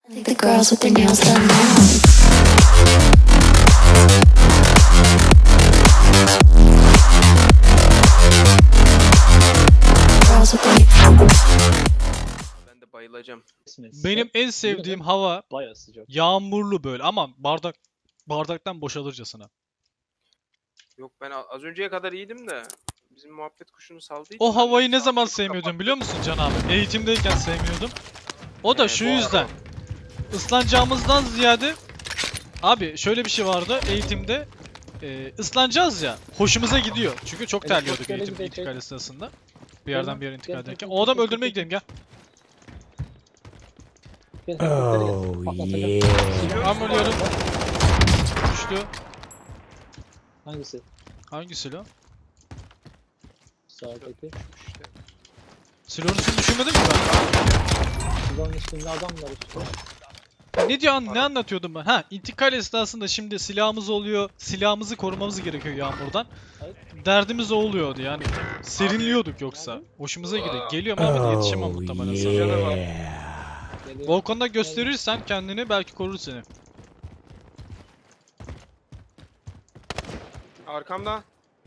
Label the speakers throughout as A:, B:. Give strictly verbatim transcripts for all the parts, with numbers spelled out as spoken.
A: The girls with their nails done now. Girls with their
B: Ben de bayılacağım.
C: Benim en sevdiğim hava
D: Bayağı sıcak.
C: yağmurlu böyle ama bardak bardaktan boşalırcasına.
B: Yok ben a- az önceye kadar iyiydim de bizim muhabbet kuşunu saldığı için
C: O havayı
B: ben de
C: ne zaman
B: saatimi
C: sevmiyordum
B: kapattım.
C: biliyor musun Can abi? Eğitimdeyken sevmiyordum. O da
B: Ee,
C: şu
B: bu
C: yüzden.
B: arada-
C: Islanacağımızdan ziyade abi şöyle bir şey vardı eğitimde. E, ıslanacağız ya. Hoşumuza gidiyor. Çünkü çok terliyorduk
D: Helikoptere
C: eğitim
D: gidecek.
C: intikal sırasında. Bir yerden bir yere
D: Gel,
C: intikal
D: gel,
C: ederken.
D: gel,
C: O adam
D: gel,
C: öldürmeye
D: gel.
C: gidelim gel.
D: Gel, helikoptere gel. Patlatacağım.
C: Ben ölüyorum. Düştü.
D: Hangisi?
C: Hangi silo?
D: Sağdaki.
B: İşte.
C: Silonun üstünü düşünmedim ki ben.
D: Silahın üstünde adam var işte.
C: Ne diyor an ne anlatıyordum ben? Ha, intikal esnasında şimdi silahımız oluyor. Silahımızı korumamız gerekiyor yağmurdan.
D: Hayır.
C: Derdimiz o oluyordu yani. Serinliyorduk yoksa. Hoşumuza gidiyor. Geliyorum ama yetişemem muhtemelen sana.
B: Canavar.
D: Geliyor.
C: Volkan'da gösterirsen kendini belki korur seni.
B: Arkamda.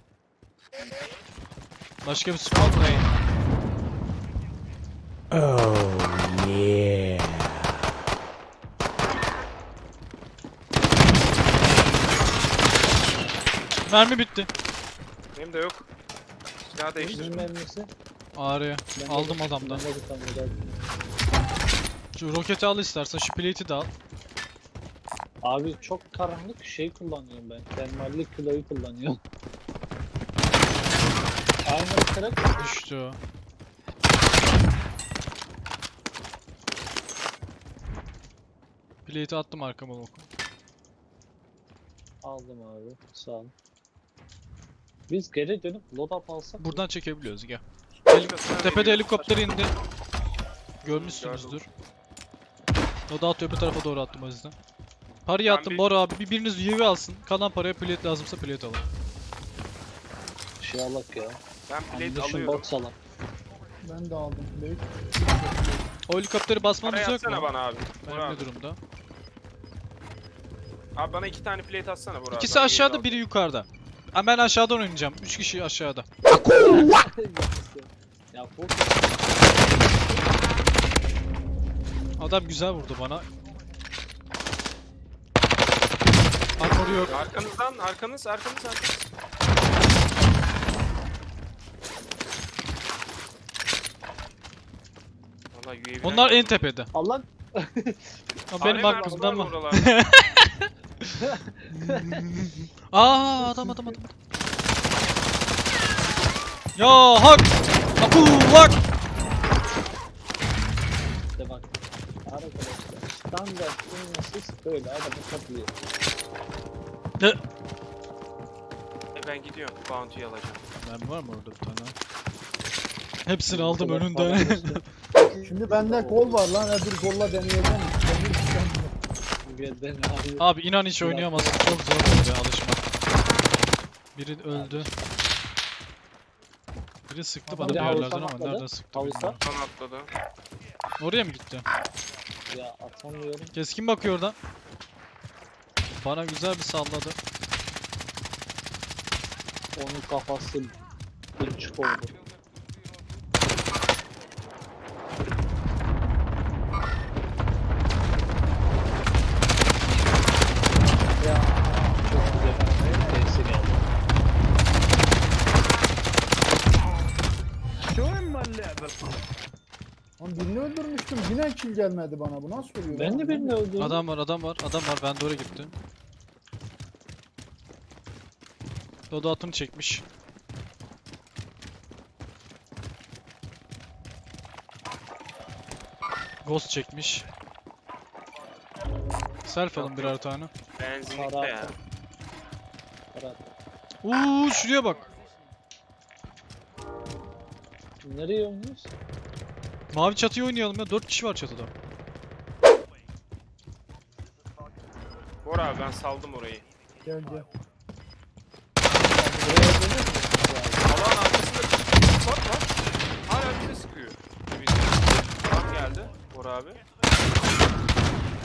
C: Başka bir squad mı?
E: Oh yeah.
C: Mermi bitti.
B: Benim de yok. Silah değiştir.
D: Kimin mermisi?
C: Ağrıya.
D: Ben de-
C: Aldım adamdan.
D: Ben de bir tane geldim.
C: Şu roketi al istersen, şu plate'i de al.
D: Abi çok karanlık şey kullanıyorum ben. Termalli kiloyu kullanıyorum. Aynı kırık.
C: Düştü o. Plate'i attım arkama Volkan.
D: Aldım abi. Sağ ol. Biz geri dönüp loadout alsak.
C: Buradan çekebiliyoruz gel.
B: Başkasına
C: Tepede
B: veriyor.
C: helikopter indi. Görmüşsünüzdür. O da öbür tarafa doğru attım o yüzden. Parayı
B: Ben
C: attım
B: bir-
C: Bora abi. Bir biriniz U A V alsın. Kalan paraya plate lazımsa plate alın.
D: Şey alak ya.
B: Ben plate
D: Ammunition
B: alıyorum.
D: box alak.
F: Ben de aldım. Büyük.
C: O helikopteri basmamız
B: Parayı
C: yok mu?
B: atsana bana abi.
C: Benim
B: Burak
C: ne
B: abi.
C: durumda?
B: Abi bana iki tane plate atsana Burak.
C: İkisi
B: Ben
C: aşağıda,
B: yeni
C: biri yukarıda. Ha, ben aşağıdan oynayacağım. Üç kişi aşağıda.
D: Ya bu
C: Adam güzel vurdu bana. Armor yok.
B: aldım. Arkanızdan, arkanız, arkanız, arkanız. Vallahi U A V'den
C: Onlar en
B: geldi.
C: tepede.
D: Allah
C: Ama benim
B: Alem
C: hakkımda
B: arası var
C: mı?
B: buralarda.
C: Aa adam adam adam. Ya hak! Apu hak!
D: işte bak. Arkadaşlar standart ünlüsüz böyle adamı kaplıyor.
B: E, ben gidiyorum. Bounty'yi alacağım.
C: Ben var mı orada bir tane? Hepsini aldım önünden.
F: Şimdi bende kol var lan. Hadi bir kolla deneyeceğim. Demir tükenmiyor.
D: Ben abi.
C: Abi inan hiç oynayamazsın. Çok zor böyle alışmak. Biri öldü. Biri sıktı bana bir
D: Biri
C: yerlerden
D: havuçtan
C: ama
D: atladı.
C: nereden sıktı
D: Havuçtan.
C: bilmiyorum.
B: Son atladı.
C: Oraya mı gitti?
D: Ya atamıyorum.
C: Keskin bakıyor oradan. Bana güzel bir salladı.
D: Onun kafası buçuk oldu. Ya çok güzel. Neyse geldi.
F: Lan birini öldürmüştüm. Yine kill gelmedi bana. Bu nasıl oluyor?
D: Ben
F: lan?
D: de birini öldürdüm.
C: Adam var, adam var, adam var. Ben de oraya gittim. Dodo atını çekmiş. Ghost çekmiş. Self alın birer tane.
B: Benzinlikte
D: Para
B: ya.
D: atar. Para atar.
C: Uuu şuraya bak.
D: Nereye oynuyoruz?
C: Mavi çatıyı oynayalım ya. Dört kişi var çatıda.
B: Bora abi ben saldım orayı.
F: Gel gel.
D: Buraya dönüyor musun?
B: Allah'ın arkasında bir spot var. Hala bir de sıkıyor. Bizim spot geldi Bora abi.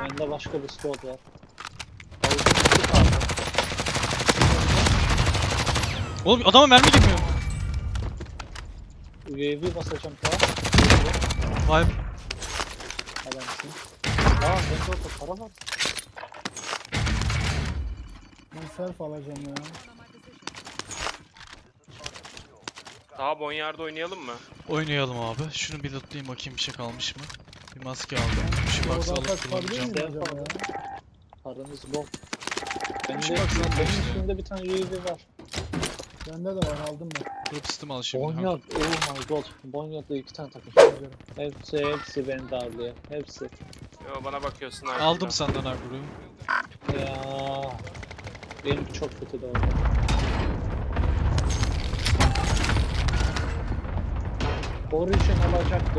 D: Bende başka bir squad var. Havuzun iki kaldı.
C: Oğlum adama mermi girmiyor.
D: U A V basacağım daha.
C: Vay.
D: Adamsın. Aa bende orada para var.
F: Ben self alacağım ya.
B: Daha Bonyard'da oynayalım mı?
C: Oynayalım abi. Şunu bir lootlayayım bakayım bir şey kalmış mı? Bir maske aldım. Şu box'ı
F: Oradan
C: alıp
F: kaç çıkabilir
C: kullanacağım.
F: miyim acaba ya?
D: Paranız bol. Bende,
C: Şu baksana
D: benim
C: işte.
D: üstümde bir tane U A V var.
F: Bende de var aldım ben.
C: Drop system al şimdi. ha.
D: Bonyard, oh my god. Bonyard'da iki tane takım.
F: Güzel.
D: Hepsi, hepsi beni darlıyor. Hepsi.
B: Yo, bana bakıyorsun abi.
C: Aldım senden Agru'yu.
D: Ya benim çok kötü de oldu. Origin alacaktı.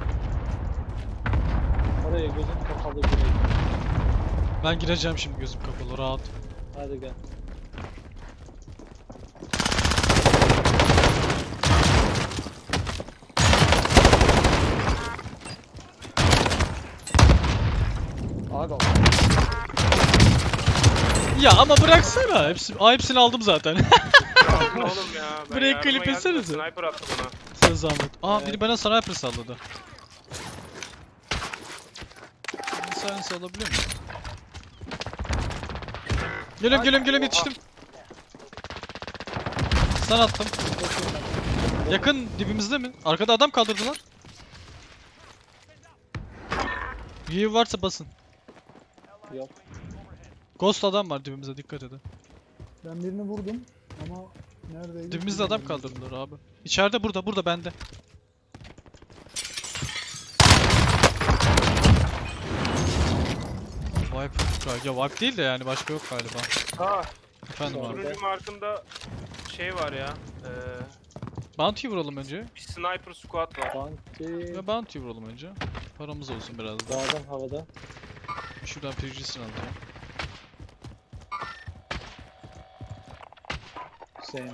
D: Oraya gözüm kapalı gireyim.
C: Ben gireceğim şimdi gözüm kapalı rahat.
D: Hadi gel. Abi
C: Ya ama bıraksana. Hepsi, Aa, hepsini aldım zaten.
B: Oğlum ya. Ben
C: Buraya
B: yardıma
C: klip
B: geldim de
C: etsenize.
B: Sniper attı bana.
C: Sana zahmet. Aa
D: Evet.
C: biri bana sniper salladı. Silence alabiliyor muyum? Geliyorum geliyorum geliyorum yetiştim. Stun attım. Yakın dibimizde mi? Arkada adam kaldırdılar. U A V varsa basın.
D: yok.
C: Ghost adam var dibimizde dikkat edin.
F: Ben birini vurdum ama neredeydi?
C: Dibimizde adam
F: bilmiyorum.
C: kaldırdılar abi. İçeride burada burada bende. Wipe. Ya wipe değil de yani başka yok galiba.
B: Ha,
C: Efendim abi.
B: turuncu markımda şey var ya. Eee
C: Bounty vuralım önce.
B: bir sniper squad var.
D: Bounty.
C: Ve bounty vuralım önce. Paramız olsun biraz da.
D: Dağdan havada.
C: Şuradan P G'sini alacağım.
D: Sen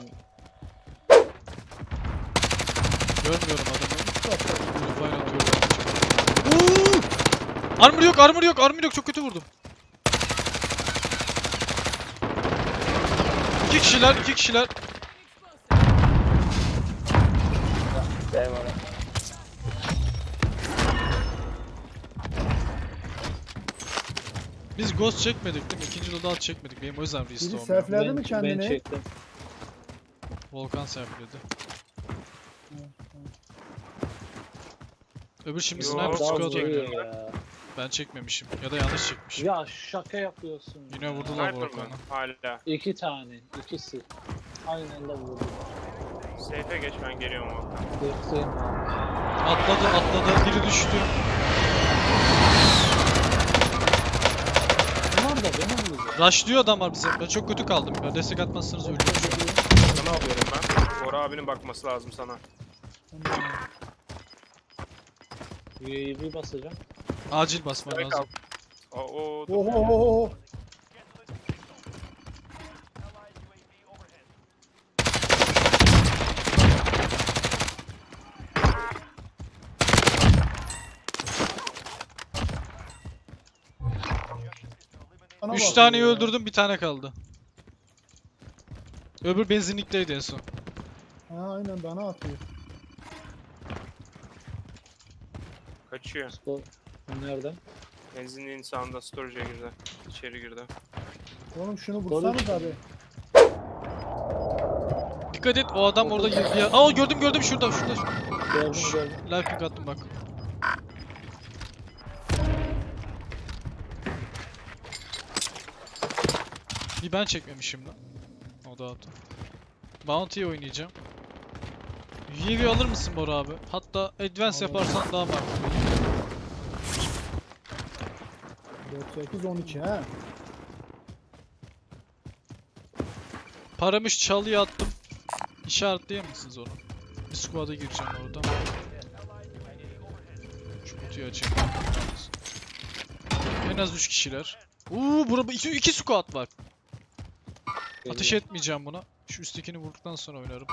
C: Görmüyorum adamı. Refine atıyorum. Uuu! Armor yok, armor yok, armor yok. Çok kötü vurdum. İki kişiler, iki kişiler. Biz ghost çekmedik değil mi? İkinci loadout çekmedik. Benim o yüzden
F: Biri
C: restore olmuyor.
F: selfledi mi
D: ben, ben
F: kendini?
D: çektim.
C: Volkan serpiledi. Öbür şimdi
B: Yo,
C: sniper
B: daha
C: squad
D: Daha
C: oynuyor.
D: vuruyor ya.
C: Ben çekmemişim. Ya da yanlış çekmişim.
D: Ya şaka yapıyorsun.
C: Yine
D: ya.
C: vurdular
B: Sniper mı?
C: Volkan'ı.
B: Hala.
D: İki tane. ikisi. Aynı anda vurdu.
B: Safe'e geç ben geliyorum o.
D: Bekleyin abi.
C: Atladı, atladı. Biri düştü.
D: Bunlar da beni vurdu.
C: Rushlıyor adam var bize. Ben çok kötü kaldım. Ya destek atmazsanız ölürüm şu an.
B: Sana alıyorum ben. Bora abinin bakması lazım sana.
D: U A V basacağım.
C: Acil basman
B: Direkt
C: lazım.
B: al. O, o,
F: Oho oho oho. Bana
C: Üç
F: bakıyor
C: taneyi
F: ya.
C: öldürdüm, bir tane kaldı. Öbür benzinlikteydi en son.
F: Ha aynen bana atıyor.
B: kaçıyor.
D: Bu nereden?
B: Benzinliğin sağında storage'a girdi. İçeri girdi.
F: Oğlum şunu vursanız abi.
C: Dikkat et, o adam orada girdi ya. Aa gördüm gördüm şurada şurada.
D: Gördüm gördüm.
C: Life pick attım bak. Bir ben çekmemişim lan. O da attı. Bounty'yi oynayacağım. U A V alır mısın Bora abi? Hatta advance
F: Alırım.
C: yaparsan daha makul.
F: dört sekiz on iki ha.
C: Paramı şu çalıya attım. İşaretleyemez misiniz onu? Bir squad'a gireceğim oradan. Şu kutuyu açayım. En az üç kişiler. Uuu burada iki, iki squad var. Ateş etmeyeceğim buna. Şu üsttekini vurduktan sonra oynarım.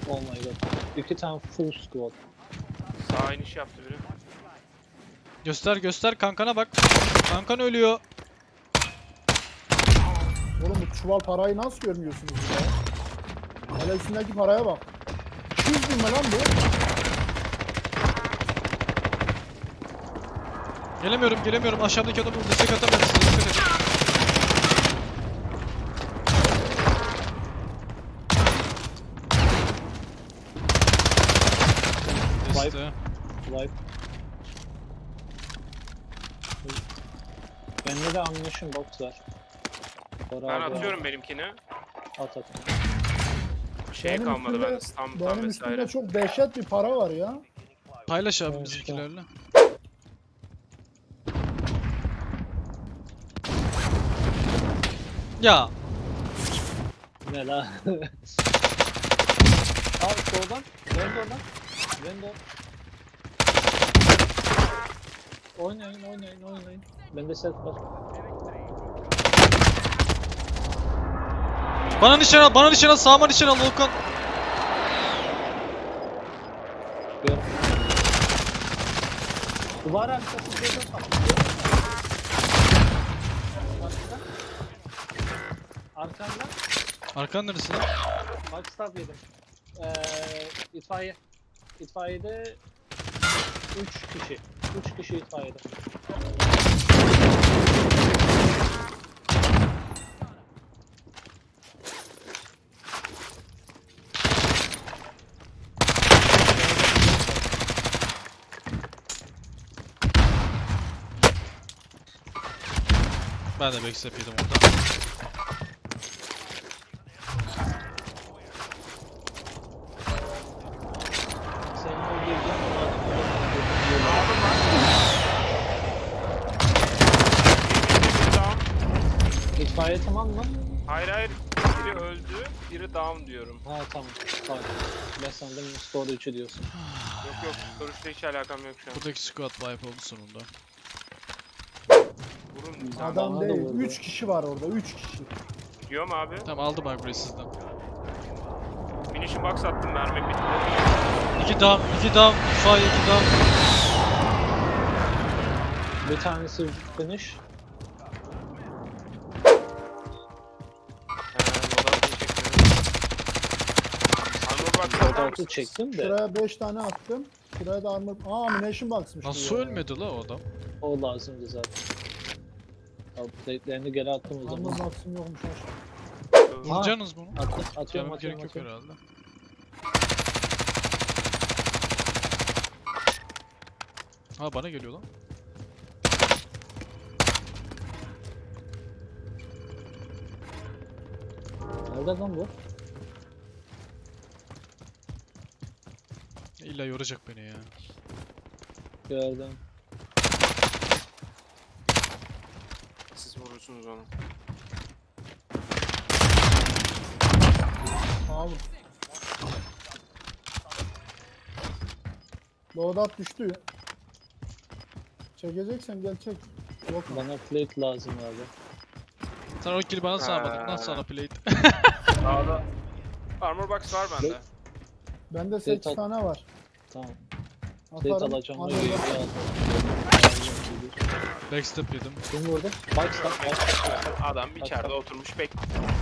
D: Oh my god. İki tane full squad.
B: Sağ iniş yaptı biri.
C: Göster göster kankana bak. Kankan ölüyor.
F: Oğlum bu çuval parayı nasıl görmüyorsunuz ya? Hele üstündeki paraya bak. iki yüz bin mi lan bu?
C: Gelemiyorum gelemiyorum. Aşağıdaki adamı destek atamıyorum size. Dikkat edin. Deste.
D: Wipe. Bende de ammunition box var. Bora
B: Ben
D: abi,
B: atıyorum benimkini.
D: At at.
B: Bir şey
F: Benim
B: kalmadı
F: üstümde-
B: bende. Stamp
F: Benim
B: vesaire.
F: üstümde çok dehşet bir para var ya.
C: Paylaş abi
D: Evet,
C: bizimkilerle. Ya
D: Ne la? Al soldan. Dön oradan. Dön dön. Oynayın oynayın oynayın. Bende set var.
C: bana nişan al, bana nişan al, sağıma nişan al Volkan.
D: Gör. Duvar arkası gözüm kapalı. Arkada. Arkanda.
C: Arkan neresi lan?
D: Backstab yedim. Ee, itfaiye. İtfaiyede üç kişi. üç kişi itfaiyede.
C: Ben de backstep yedim orada.
D: Senin o girdiğin
B: Down.
D: İtfaiye tamam mı?
B: Hayır hayır. Biri öldü, biri down diyorum.
D: Ha tamam. Tamam. Ben sandım storage'ı diyorsun.
B: Yok yok, görüşle hiç alakam yok şu an.
C: Buradaki squad wipe oldu sonunda.
B: Vurun sen.
F: Adam
D: bana da
F: değil.
D: vurdu.
F: üç kişi var orada. üç kişi.
B: Diyorum abi.
C: Tamam aldım ben burayı sizden.
B: Finishing box attım, mermi bitti.
C: İki down, iki down, fire, iki down.
D: Bir tanesi finish.
B: He, loadout'u çekmiyorum. Armor box atar
D: Loadout'u
B: mısınız?
D: çektim de
F: Şuraya beş tane attım. Şuraya da armor... Aa ammunition box'mış. bu
C: Nasıl
F: ya.
C: ölmedi la o adam?
D: o lazımdı zaten. Update'lerini geri attım o
F: Armor
D: zaman.
F: box'ım yokmuş aşağı.
C: Vuracaksınız bunu.
D: At, atıyorum
C: Canıma
D: atıyorum
C: gerek yok
D: atıyorum.
C: herhalde. Ha bana geliyor lan.
D: Nerede lan bu?
C: İlla yoracak beni ya.
D: Gördüm.
B: Siz vurursunuz onu.
F: Abi. Loadout düştü. Çekeceksen gel çek. Yok mu?
D: Bana plate lazım abi.
C: Sen o kill'i bana sağlamadın.
B: Ha.
C: Nasıl sana plate?
B: Sağda. Armor box var bende.
F: Bende
D: Plate
F: sekiz
D: al.
F: tane var.
D: Tamam. Plate
F: Atarım.
D: alacağım.
F: Armor
D: Öyle bir
F: box-
D: şey aldım.
C: Backstep yedim.
D: Kim vurdu? Backstab. Backstab.
B: Adam içeride oturmuş bek.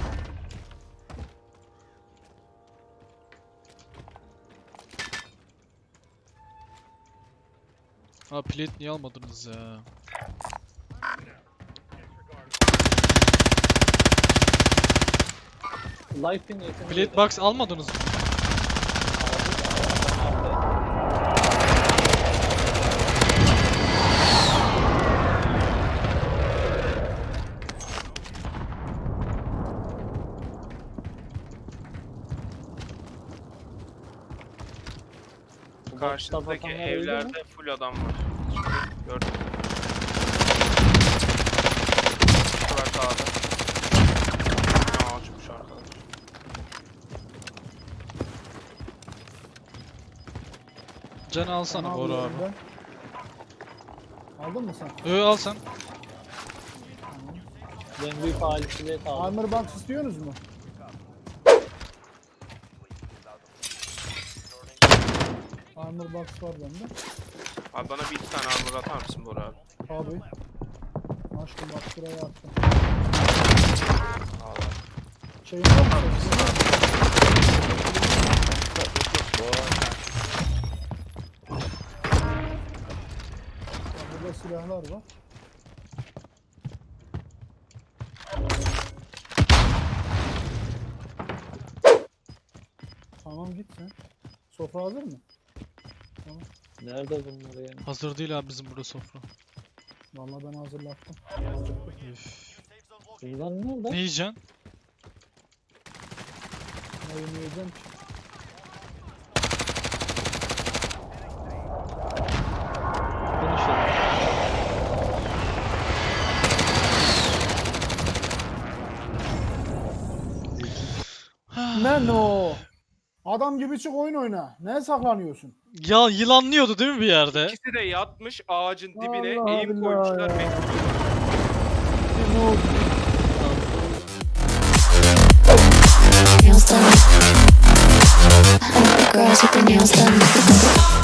C: Ha plate niye almadınız ya?
D: Life in yakın.
C: Plate box almadınız mı?
B: Karşıdaki evlerde full adam var. Şimdi gördüm. Şurada sağda. Aa açmış arkadaş.
C: Can alsana
F: Onu
C: Bora
F: alıyorum
C: abi.
F: ben. Aldın mı sen?
C: Ö al sen.
D: Ben büyük aile plate aldım.
F: Armor box istiyorsunuz mu? Armor box var bende.
B: Abi bana bir iki tane armor atar mısın Bora abi?
F: Abi. Açtım bak şuraya attım.
B: Al abi.
F: Şeyin var mı? Şeyin var mı? Ya burada silahlar var. Tamam git sen. Sofra hazır mı? Tamam.
D: Nerede bunlar yani?
C: Hazır değil abi bizim burada sofra.
F: Vallahi ben hazırlattım.
C: Üf.
D: Bunlar nerede?
C: Ne yiyeceksin?
F: Ne yemeyeceğim ki?
D: Konuşalım.
F: Ne no? Adam gibi çık oyun oyna. Ne saklanıyorsun?
C: Ya yılanlıyordu değil mi bir yerde?
B: İkisi de yatmış ağacın dibine
F: Allah
B: eğim
F: Allah
B: koymuşlar.
F: ya.
B: bekliyor.
F: Ne oldu?
A: Nails done. I like the girls with their nails done.